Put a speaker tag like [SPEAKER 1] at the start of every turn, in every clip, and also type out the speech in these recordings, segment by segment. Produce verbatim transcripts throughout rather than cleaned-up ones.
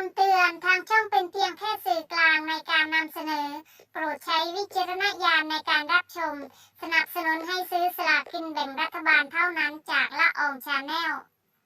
[SPEAKER 1] ำเตือนทางช่องเป็นเพียงแค่สื่อกลางในการนำเสนอโปรดใช้วิจารณญาณในการรับชมสนับสนุนให้ซื้อสลากกินแบ่งรัฐบาลเท่านั้นจากละอองชาแนล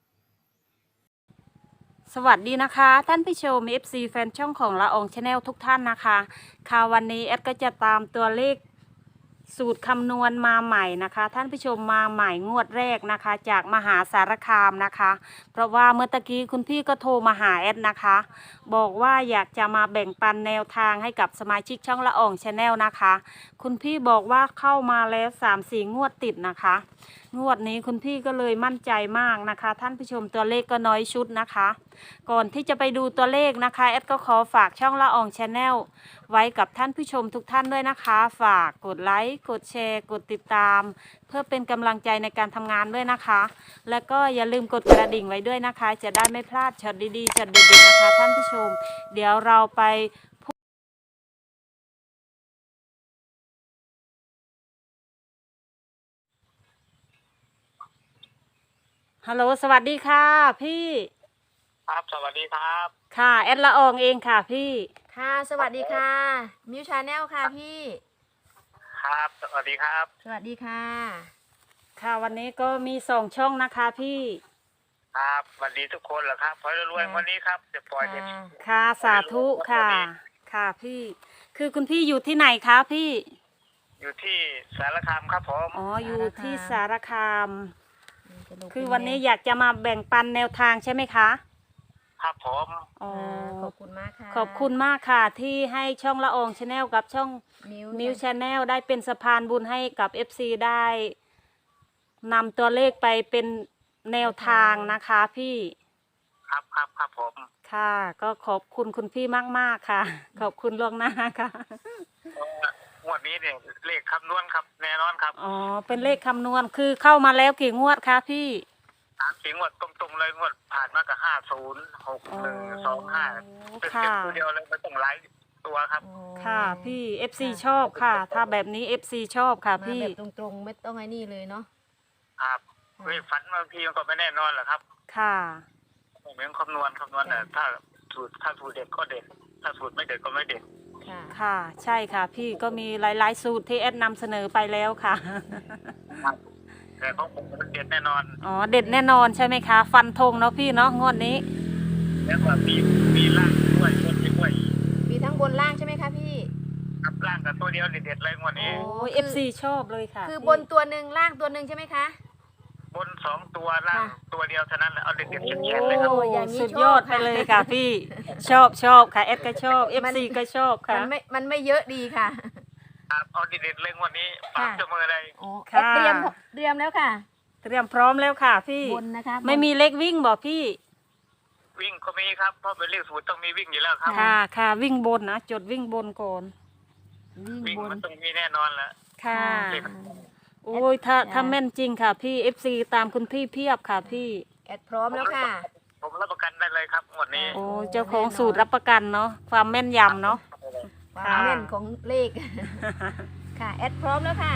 [SPEAKER 2] สวัสดีนะคะท่านผู้ชม เอฟ ซี แฟนช่องของละอองชาแนลทุกท่านนะคะค่ะวันนี้แอดก็จะตามตัวเลขสูตรคำนวณมาใหม่นะคะท่านผู้ชมมาใหม่งวดแรกนะคะจากมหาสารคามนะคะเพราะว่าเมื่อตะกี้คุณพี่ก็โทรมาหาแอดนะคะบอกว่าอยากจะมาแบ่งปันแนวทางให้กับสมาชิกช่องละอองชาแนลนะคะคุณพี่บอกว่าเข้ามาแล้ว สามสี่ งวดติดนะคะงวดนี้คุณพี่ก็เลยมั่นใจมากนะคะท่านผู้ชมตัวเลขก็น้อยชุดนะคะก่อนที่จะไปดูตัวเลขนะคะแอดก็ขอฝากช่องละอองชาแนลไว้กับท่านผู้ชมทุกท่านด้วยนะคะฝากกดไลค์กดแชร์กดติดตามเพื่อเป็นกำลังใจในการทำงานด้วยนะคะแล้วก็อย่าลืมกดกระดิ่งไว้ด้วยนะคะจะได้ไม่พลาดช็อตดีๆช็อตเด็ดๆนะคะท่านผู้ชมเดี๋ยวเราไปฮัลโหลสวัสดีค่ะพี่
[SPEAKER 3] ครับสวัสดีครับ
[SPEAKER 2] ค่ะแอดละอองเองค่ะพี่
[SPEAKER 4] ค่ะสวัสดีค่ะมิวชาแนลค่ะพี่
[SPEAKER 3] ครับสวัสดีครับ
[SPEAKER 4] สวัสดีค่ะ
[SPEAKER 2] ค่ะวันนี้ก็มีสองช่องนะคะพี่
[SPEAKER 3] ครับสวัสดีทุกคนเหรอครับพลอยรวยวันนี้ครับจะปล่อยเด็ก
[SPEAKER 4] ค่ะ
[SPEAKER 2] ค่ะสาธุค่ะค่ะพี่คือคุณพี่อยู่ที่ไหนคะพี่
[SPEAKER 3] อยู่ที่สารคามครับผม
[SPEAKER 2] อ๋ออยู่ที่สารคาม
[SPEAKER 4] จะลง
[SPEAKER 2] คือวันนี้อยากจะมาแบ่งปันแนวทางใช่ไหมคะ
[SPEAKER 3] ครับผม
[SPEAKER 2] อ๋อ
[SPEAKER 4] ค่ะขอบคุณมากค่ะ
[SPEAKER 2] ขอบคุณมากค่ะที่ให้ช่องละอองชาแนลกับช่อง
[SPEAKER 4] มิว
[SPEAKER 2] มิวชาแนลได้เป็นสะพานบุญให้กับ เอฟ ซี ได้นำตัวเลขไปเป็นแนวทางนะคะพี่
[SPEAKER 3] ครับครับครับผม
[SPEAKER 2] ค่ะ ก็ขอบคุณคุณพี่มากๆค่ะ ขอบคุณล่วงหน้าค่ะ
[SPEAKER 3] เอ่องวดนี้เนี่ยเลขคำนวณครับแน่นอนครับ
[SPEAKER 2] อ๋อเป็นเลขคำนวณคือเข้ามาแล้วกี่งวดคะพี่
[SPEAKER 3] สามสี่งวดตรงๆเลยงวดผ่านมากับห้าศูนย์หกหนึ่งสองห้าเป็น
[SPEAKER 2] ค่ะ
[SPEAKER 3] ตัวเดียวเลยไม่ต้องไลฟ์ตัวครับ
[SPEAKER 4] อ๋อ
[SPEAKER 2] ค่ะพี่ เอฟ ซี ชอบค่ะ ถ้าแบบนี้ เอฟ ซี ชอบค่ะ
[SPEAKER 4] มา
[SPEAKER 2] พี่
[SPEAKER 4] แบบตรงๆไม่ต้องไอ้นี่เลยเนาะ
[SPEAKER 3] ครับเลขฝันบางทีมันก็ไม่แน่นอนแหละครับ
[SPEAKER 2] ค่ะ
[SPEAKER 3] เหมือนคำนวณคำนวณแต่ถ้าสูตรถ้าสูตรเด็ดก็เด็ดถ้าสูตรไม่เด็ดก็ไม่เด็ด
[SPEAKER 4] ค่ะ
[SPEAKER 2] ค่ะ ใช่ค่ะ พี่ก็มีหลายๆสูตรที่แอดนำเสนอไปแล้วค่ะ
[SPEAKER 3] แต่ของผมมันเด็ดแน่นอน
[SPEAKER 2] อ๋อ เด็ดแน่นอนใช่ไหมคะ ฟันธงเนาะพี่เนาะงวดนี้
[SPEAKER 3] แล้วก็มีมีล่างด้วยบนด้วย
[SPEAKER 4] มีทั้งบนล่างใช่ไหมคะพี่
[SPEAKER 3] กับล่างกับตัวเดียวเด็ดๆเลยงวดนี้
[SPEAKER 2] โอ้
[SPEAKER 4] คือ
[SPEAKER 2] เอฟซีชอบเลยค่ะ
[SPEAKER 4] คือ
[SPEAKER 2] พี่
[SPEAKER 4] บนตัวหนึ่งล่างตัวหนึ่งใช่ไหมคะ
[SPEAKER 3] บนสองตัวล่าง
[SPEAKER 4] ค่ะ
[SPEAKER 3] ตัวเดียวเท่านั้นแหละเอาเด็ดๆเฉียดๆเลยครับ
[SPEAKER 4] โอ้อย่างนี้
[SPEAKER 2] สุด
[SPEAKER 4] ชอบ
[SPEAKER 2] ยอดไป
[SPEAKER 4] ค่ะ
[SPEAKER 2] เลยค่ะพี่ ชอบชอบค่ะแอดก็ชอบ เอฟ ซี ก็ชอบค่ะ
[SPEAKER 4] มันไม่มันไม่เยอะดีค่ะ
[SPEAKER 3] ครับเอาเด็ดๆเลยงวดนี้ฝาก
[SPEAKER 4] ค่ะ
[SPEAKER 3] เจ้ามือเลย
[SPEAKER 4] อ๋อ
[SPEAKER 2] ค่ะ
[SPEAKER 4] เตรียมเตรียมแล้วค่ะ
[SPEAKER 2] เตรียมพร้อมแล้วค่ะพี่
[SPEAKER 4] บนนะคะ
[SPEAKER 2] ไม่มีเล็กวิ่งบอกพี่
[SPEAKER 3] วิ่งก็มีครับเพราะเป็นเลขสูตรต้องมีวิ่งอยู่แล้วครับ
[SPEAKER 2] ค่ะค่ะวิ่งบนนะจดวิ่งบนก่อน
[SPEAKER 4] วิ่ง
[SPEAKER 3] วิ่ง
[SPEAKER 4] บน
[SPEAKER 3] มันต้องมีแน่นอนแหละ
[SPEAKER 2] ค่ะ
[SPEAKER 3] เลข
[SPEAKER 2] โอ้ยถ้าถ้าแม่นจริงค่ะพี่ เอฟ ซี ตามคุณพี่เพียบค่ะพี่
[SPEAKER 4] แอดพร้อมแล้วค่ะ
[SPEAKER 3] ผมรับประกันได้เลยครับงวดนี้
[SPEAKER 2] โอ้เจ้าของสูตรรับประกันเนาะความแม่นยำเนาะ
[SPEAKER 4] ควา
[SPEAKER 2] ค่ะ
[SPEAKER 4] มแม่นของเลข ค่ะแอดพร้อมแล้วค่ะ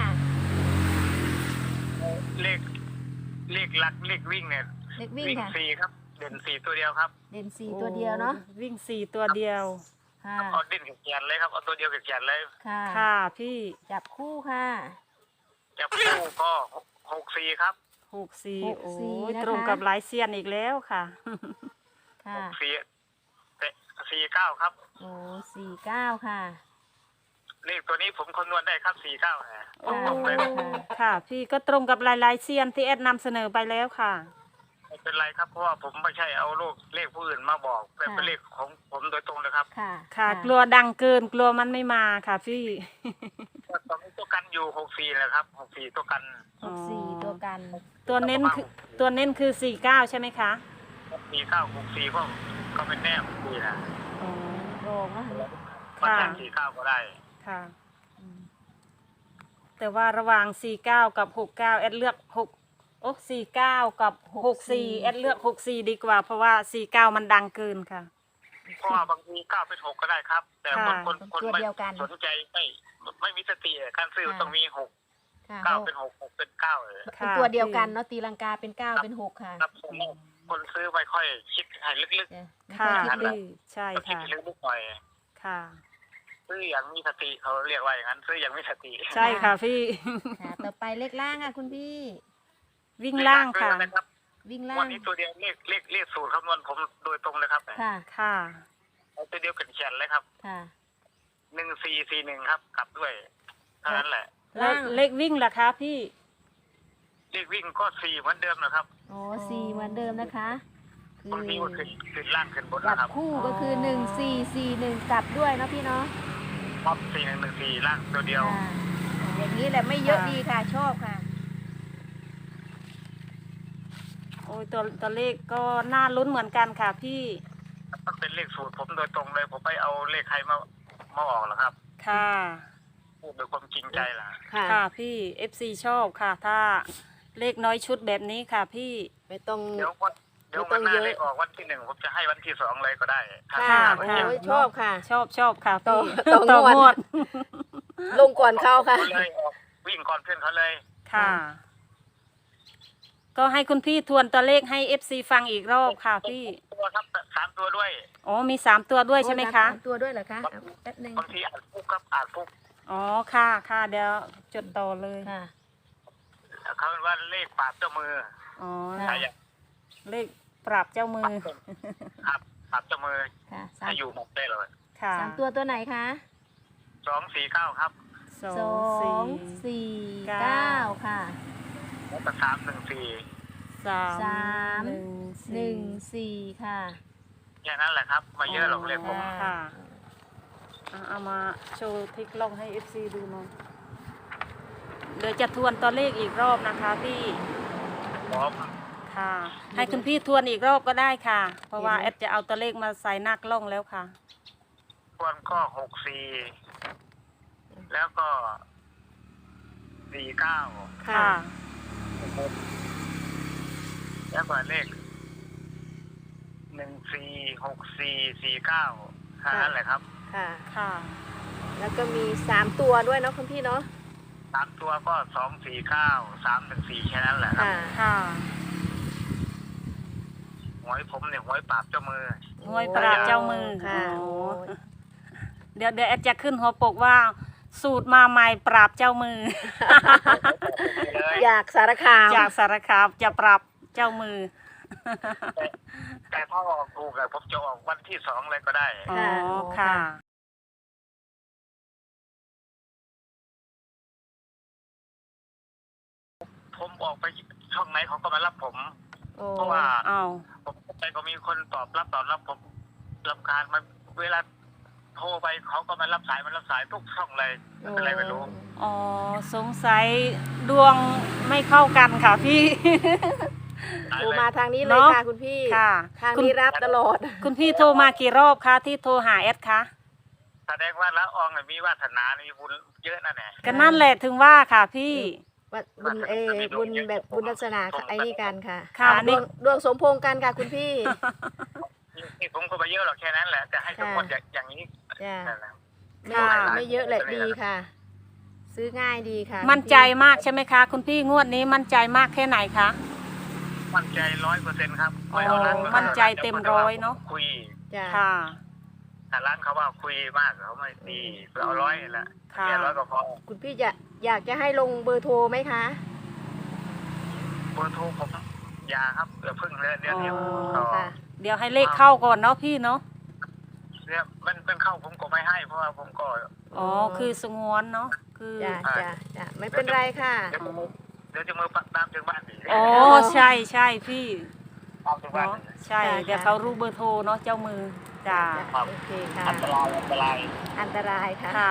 [SPEAKER 3] เลขเลขหลักเลขวิ่งเนี่ย
[SPEAKER 4] เลขวิ่ง
[SPEAKER 3] วิ่ง
[SPEAKER 4] ค่ะ
[SPEAKER 3] สี่ครับ เด่นสี่ตัวเดียวครับ
[SPEAKER 4] เด่นสี่ตัวเดียวเนาะ
[SPEAKER 2] โอ้วิ่งสี่ตัวเดียว
[SPEAKER 4] ค่ะ
[SPEAKER 3] เอาเด่นเขียนเลยครับเอาตัวเดียวเขียนเลย
[SPEAKER 4] ค่ะ
[SPEAKER 2] ค่ะพี่
[SPEAKER 4] จับคู่ค่ะ
[SPEAKER 3] จับคู่ก็หกสี่ครับ
[SPEAKER 2] หกสี่
[SPEAKER 4] หก
[SPEAKER 2] โอ้
[SPEAKER 4] สี่
[SPEAKER 2] ย
[SPEAKER 4] นะคะ
[SPEAKER 2] ตรงกับหลายเซียนอีกแล้วค่ะ
[SPEAKER 4] ค่ะ
[SPEAKER 3] สี่เตะสี่เก้าครับ
[SPEAKER 4] โอ้สี่เก้าค่ะ
[SPEAKER 3] เลขตัวนี้ผมคำนวณได้ครับสี่เก้าฮะ
[SPEAKER 2] โอ้
[SPEAKER 3] ตรงๆเลย
[SPEAKER 2] ค่ะ พี่ก็ตรงกับหลายๆเซียนที่แอดนำเสนอไปแล้วค่ะ
[SPEAKER 3] ไม่เป็นไรครับเพราะว่าผมไม่ใช่เอาลูกเลขผู้อื่นมาบอกแต่เป็น
[SPEAKER 4] ค่ะ
[SPEAKER 3] เลขของผมโดยตรงเลยครับ
[SPEAKER 4] ค่ะ
[SPEAKER 2] ค่ะ กลัวดังเกินกลัวมันไม่มาค่ะพี่
[SPEAKER 3] ตอนนี้ตัวกันอยู่หกสี่แหละครับหกสี่ตัวกัน
[SPEAKER 4] หกสี่ตัวกัน
[SPEAKER 2] ตัวเน้นคือตัวเน้นคือสี่เก้าใช่ไหมคะ
[SPEAKER 3] สี่เก้าหกสี่ก็ก็เป็นแน่ผมดีนะ
[SPEAKER 2] อ๋อ
[SPEAKER 4] โรงนะ
[SPEAKER 3] มา
[SPEAKER 2] ค่ะ
[SPEAKER 3] แทนสี่เก้าก็ได้
[SPEAKER 2] ค่ะ
[SPEAKER 4] อืม
[SPEAKER 2] แต่ว่าระหว่างสี่เก้ากับหกเก้าแอดเลือกหกโอ้สี่เก้ากับหกสี่แอดเลือกหกสี่ดีกว่า เพราะว่าสี่เก้ามันดังเกินค่ะ
[SPEAKER 3] เพราะว่าบางทีเก้าเป็นหกก็ได้ครับ แต่คน
[SPEAKER 2] ค่ะ
[SPEAKER 3] คนคนไม่สนใจไม่ไม่มีสติอะการซื้อต้องมีหก
[SPEAKER 4] ค่ะ
[SPEAKER 3] เก้าเป็นหกหกเป็นเก้าเออ
[SPEAKER 4] เป็นตัวเดียวกันเนาะตีลังกาเป็นเก้าเป็นหกค่ะ
[SPEAKER 3] ครับคนซื้อไม่ค่อยคิดให้ลึก
[SPEAKER 4] จ้ะ
[SPEAKER 2] ค่ะ
[SPEAKER 4] ไม่ค่อยคิดลึก
[SPEAKER 2] พี่ใช่
[SPEAKER 3] ๆก็คิด
[SPEAKER 2] ค่ะ
[SPEAKER 3] ลึกๆหน่อย
[SPEAKER 2] ค่ะ
[SPEAKER 3] ซื้ออย่างมีสติเขาเรียกว่าอย่างนั้นซื้ออย่างมีสติ
[SPEAKER 2] ใช่ค่ะพี่
[SPEAKER 4] ค่ะต่อไปเลขล่างค่ะคุณพี่
[SPEAKER 2] วิ่งล่างค่ะ
[SPEAKER 3] เลขล่างด้วยนะครับ
[SPEAKER 4] วิ่งล่า
[SPEAKER 3] วัน
[SPEAKER 4] ง
[SPEAKER 3] นี้ตัวเดียวเลขเลขเลขสูตรคำนวณผมโดยตรงเลยครับ
[SPEAKER 4] ค่ะ
[SPEAKER 2] ค่ะ
[SPEAKER 3] เอาตัวเดียวเขียนๆเลยครับ
[SPEAKER 4] ค่ะ
[SPEAKER 3] หนึ่งสี่สี่หนึ่งครับกลับด้วยเท่านั้นแหละ
[SPEAKER 2] แล้ว
[SPEAKER 4] ล่าง
[SPEAKER 2] เลขวิ่งล่ะคะพี่
[SPEAKER 3] เลขวิ่งก็สี่เหมือนเดิมนะครับ
[SPEAKER 4] อ๋อสี่เหมือนเดิมนะคะ คือบ
[SPEAKER 3] างทีก็ขึ้นขึ้นล่างขึ้นบน
[SPEAKER 4] จับ
[SPEAKER 3] นะครับ
[SPEAKER 4] คู่ก็คือหนึ่งสี่สี่หนึ่งกลับด้วยเนาะพี่เนาะ
[SPEAKER 3] ครับสี่หนึ่งหนึ่งสี่ล่างตัวเดียว
[SPEAKER 4] ค่ะอย่างนี้แหละไม่เยอะ
[SPEAKER 2] ค่ะ
[SPEAKER 4] ดีค่ะชอบค่ะ
[SPEAKER 2] โอ้ยตัวตัวเลขก็น่าลุ้นเหมือนกันค่ะพี่
[SPEAKER 3] มันเป็นเลขสูตรผมโดยตรงเลยผมไปเอาเลขใครมามาออกหรอครับ
[SPEAKER 2] ค่ะ
[SPEAKER 3] พูดด้วยความจริงใจล่ะ
[SPEAKER 4] ค่ะ
[SPEAKER 2] ค่ะพี่ เอฟ ซี ชอบค่ะ ถ้าเลขน้อยชุดแบบนี้ค่ะพี่
[SPEAKER 4] ไม่ต้อง
[SPEAKER 3] เดี๋ยววันเดี๋ยว
[SPEAKER 4] ไม่ต้
[SPEAKER 3] วั
[SPEAKER 4] อน ง
[SPEAKER 3] หน้า
[SPEAKER 4] เยอะ
[SPEAKER 3] เลขออกวันที่หนึ่งผมจะให้วันที่สองเลยก็ได้ถ้า
[SPEAKER 4] ค่ะ
[SPEAKER 3] ถ้า
[SPEAKER 4] โอ้
[SPEAKER 3] มันเยอะ
[SPEAKER 4] ยชอบค่ะ
[SPEAKER 2] ชอบชอบค่ะ
[SPEAKER 4] ต่อ
[SPEAKER 2] พี่
[SPEAKER 4] ต่องวด
[SPEAKER 2] ด
[SPEAKER 4] ลงก่อนเข้าค่ะ
[SPEAKER 3] เขาเลยออกวิ่งก่อนเพื่อนเขาเลย
[SPEAKER 2] ค่ะ ก็ให้คุณพี่ทวนตัวเลขให้ เอฟ ซี ฟังอีกรอบค่ะพี่
[SPEAKER 3] ตัวครับสามตัวด้วย
[SPEAKER 2] อ๋อมีสามตัวด้วยใช่ไหมคะ
[SPEAKER 4] โอ้ยรับสามตัวด้วยเหรอคะเอาแป๊บหนึง
[SPEAKER 3] บางทีอาจฟุกครับอาจฟุก
[SPEAKER 2] อ๋อค่ะค่ะเดี๋ยวจดต่อเลย
[SPEAKER 4] ค่ะ
[SPEAKER 3] เขาเรียกว่าเลขปราบเจ้ามือ
[SPEAKER 2] อ๋อ
[SPEAKER 4] ค่ะ
[SPEAKER 3] ใครอยาก
[SPEAKER 2] เลขปรับเจ้ามือ
[SPEAKER 3] ครับปราบเจ้ามือ
[SPEAKER 4] ค่ะสา
[SPEAKER 3] ให้
[SPEAKER 4] ม
[SPEAKER 3] อยู่หมดได้เลย
[SPEAKER 2] ค่ะ
[SPEAKER 4] สามตัวตัวไหนคะ
[SPEAKER 3] สองสี่เก้าครับ
[SPEAKER 2] สอ
[SPEAKER 4] สอง ง
[SPEAKER 2] สี่
[SPEAKER 4] สี่
[SPEAKER 2] เก้า
[SPEAKER 4] เก้าค่ะ
[SPEAKER 3] แล้วก็สามหนึ่งสี่
[SPEAKER 2] สาม
[SPEAKER 4] สาม
[SPEAKER 2] หนึ่ง
[SPEAKER 4] หนึ่งสี่ค่ะ
[SPEAKER 3] แค่นั้นแหละครับไมาเยอะหรอกเลขผม
[SPEAKER 2] ค่ะอ่ะเอามาโชว์ทิกลองให้ เอฟ ซี ดูหน่อยเดี๋ยวจะทวนตัวเลขอีกรอบนะคะพี่
[SPEAKER 3] ผม
[SPEAKER 2] ค่ะ ให้คุณพี่ทวนอีกรอบก็ได้ค่ะ เพราะว่าแอดจะเอาตัวเลขมาใส่หน้ากล้องแล้วค่ะ
[SPEAKER 3] ควรก็หกสี่แล้วก็สี่เก้า
[SPEAKER 2] ค่ะ
[SPEAKER 3] แล้วก็เลขหนึ่งสี่หกสี่สี่เก้าแค่นั้นแหละครับ
[SPEAKER 4] ค่ะ
[SPEAKER 2] ค่ะ
[SPEAKER 4] แล้วก็มีสามตัวด้วยเนาะคุณพี่เนาะ
[SPEAKER 3] สามตัวก็สองสี่เก้าสามหนึ่งสี่แค่นั้นแหละครับ
[SPEAKER 4] ค่ะ
[SPEAKER 2] ค่ะ
[SPEAKER 3] หวยผมเนี่ยหวยปราบเจ้ามือ
[SPEAKER 2] หวยปราบเจ้ามือ
[SPEAKER 4] ค่ะ
[SPEAKER 2] โอ้
[SPEAKER 4] โอ้ย
[SPEAKER 2] เดี๋ยวเดี๋ยวแอดจะขึ้นหัวปกว่า สูตรมาใหม่ปราบเจ้ามือ
[SPEAKER 3] เลย
[SPEAKER 4] อยากสารคาม
[SPEAKER 2] จากสารคามจะปรับเจ้ามือ
[SPEAKER 3] แต่แต่ถ้าออกถูกอะผมจะออกวันที่สองเลยก็ได้
[SPEAKER 2] อ๋อ
[SPEAKER 4] ค่ะ
[SPEAKER 2] ค่ะ
[SPEAKER 3] ผมออกไปช่องไหนเขาก็มารับผม
[SPEAKER 4] โอ้
[SPEAKER 3] เพราะว่า
[SPEAKER 2] เอา
[SPEAKER 3] ผมไปก็มีคนตอบรับตอบรับผมรำคาญมันเวลาโทรไปเขาก็มารับสายมันรับสายทุกช่องเลยมันเป็นอะไรไม่รู้
[SPEAKER 2] อ๋อ สงสัยดวงไม่เข้ากันค่ะพี่
[SPEAKER 3] สาย
[SPEAKER 4] โทร
[SPEAKER 3] เลย
[SPEAKER 4] มาทางนี้เลย
[SPEAKER 2] เนาะ
[SPEAKER 4] ค่ะคุณพี่
[SPEAKER 2] ค่ะ
[SPEAKER 4] ทาง
[SPEAKER 2] คุณ
[SPEAKER 4] นี้รับตลอด
[SPEAKER 2] คุณพี่โทรมากี่รอบคะที่โทรหาแอดคะ
[SPEAKER 3] แสดงว่าละอองเนี่ยมีวาสนามีบุญเยอะนั่นแหละ
[SPEAKER 2] ก็นั่นแหละถึงว่าค่ะพี่
[SPEAKER 4] ว่าบุญเออบุญแบบบุญลักษณะค่ะไอ้นี่กันค่ะ
[SPEAKER 2] ค่ะ
[SPEAKER 4] ด
[SPEAKER 2] นี่
[SPEAKER 4] วงดวงสมพงษ์กันค่ะคุณพี่
[SPEAKER 3] นี่ผมก็ไปเยอะหรอกแค่นั้นแหละแต่ให้ทุกคนอย่างอย่างนี้
[SPEAKER 4] จ้ะ
[SPEAKER 3] นั่นแหละ
[SPEAKER 4] ไม่
[SPEAKER 2] ค่ะ
[SPEAKER 4] ไม่เยอะแหละดีค่ะ ซื้อง่ายดีค่ะ
[SPEAKER 2] มั่นใจมากใช่ไหมคะ คุณพี่งวดนี้มั่นใจมากแค่ไหนคะ
[SPEAKER 3] มั่นใจร้อยเปอร์เซ็นต์ครับ
[SPEAKER 2] อ๋อ
[SPEAKER 3] ไม่เอาร้าน
[SPEAKER 2] มั่นใจเต็มร้อยเนอะ
[SPEAKER 3] คุย
[SPEAKER 4] จ้ะ
[SPEAKER 2] ค่ะ
[SPEAKER 3] แต่ร้านเขาว่าคุยมากเขาไม่ดีเอาร้อยแหละ
[SPEAKER 2] ค่ะ
[SPEAKER 3] แค่ร้อยก็พอ
[SPEAKER 4] คุณพี่จะอยากจะให้ลงเบอร์โทรไหมคะ
[SPEAKER 3] เบอร์โทรผมอยาครับเดี๋ยวเพิ่งเลื่อนเดี๋ยวเดียว
[SPEAKER 2] อ๋อ
[SPEAKER 3] ก็
[SPEAKER 4] ค่ะ
[SPEAKER 2] เดี๋ยวให้เลขเข้าก่อนเนาะพี่เนาะ
[SPEAKER 3] เนี่ยมันเป็นเข้าผมก็ไม่ให้ เพราะว่าผมก็
[SPEAKER 2] อ๋อ คือสงวนเนาะ คือ
[SPEAKER 4] จ้ะจ้ะจ้ะไม่เป็นไรค่ะ
[SPEAKER 3] เดี๋ยวจะมือเดี๋ยวจะมือปักตามถึงบ้านอีก
[SPEAKER 2] อ๋อ ใช่ใช่พี่
[SPEAKER 3] ตามถึงบ้าน
[SPEAKER 2] เนาะ
[SPEAKER 3] อีก
[SPEAKER 2] ใช่
[SPEAKER 4] ค่ะ
[SPEAKER 2] เดี๋ยวเขารู้เบอร์โทรเนาะเจ้ามือจ้า
[SPEAKER 4] จ้ะโอเคค่ะ
[SPEAKER 3] อันตรายอันตราย
[SPEAKER 4] อันตรายค่ะ
[SPEAKER 2] ค่ะ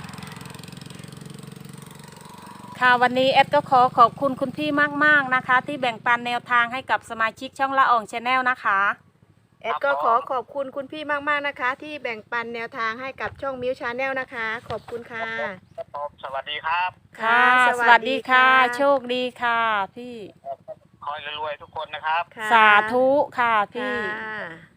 [SPEAKER 2] ค่ะวันนี้แอดก็ขอขอบคุณคุณพี่มากๆนะคะ ที่แบ่งปันแนวทางให้กับสมาชิกช่องละอองชาแนลนะคะ
[SPEAKER 4] แอดก็ขอขอบคุณคุณพี่มากๆนะคะ ที่แบ่งปันแนวทางให้กับช่องมิวชาแนลนะคะ ขอบคุณค่ะ
[SPEAKER 3] ครับผมสวัสดีครับ
[SPEAKER 2] ค่ะ
[SPEAKER 4] ค่ะ
[SPEAKER 2] สวัสดีค่ะ
[SPEAKER 4] สวัสดีค่ะ
[SPEAKER 2] โชคดีค่ะ พี่
[SPEAKER 3] คอยรวยๆทุกคนนะครับ
[SPEAKER 4] ค่ะ
[SPEAKER 2] สาธุค่ะพี่
[SPEAKER 4] ค่ะ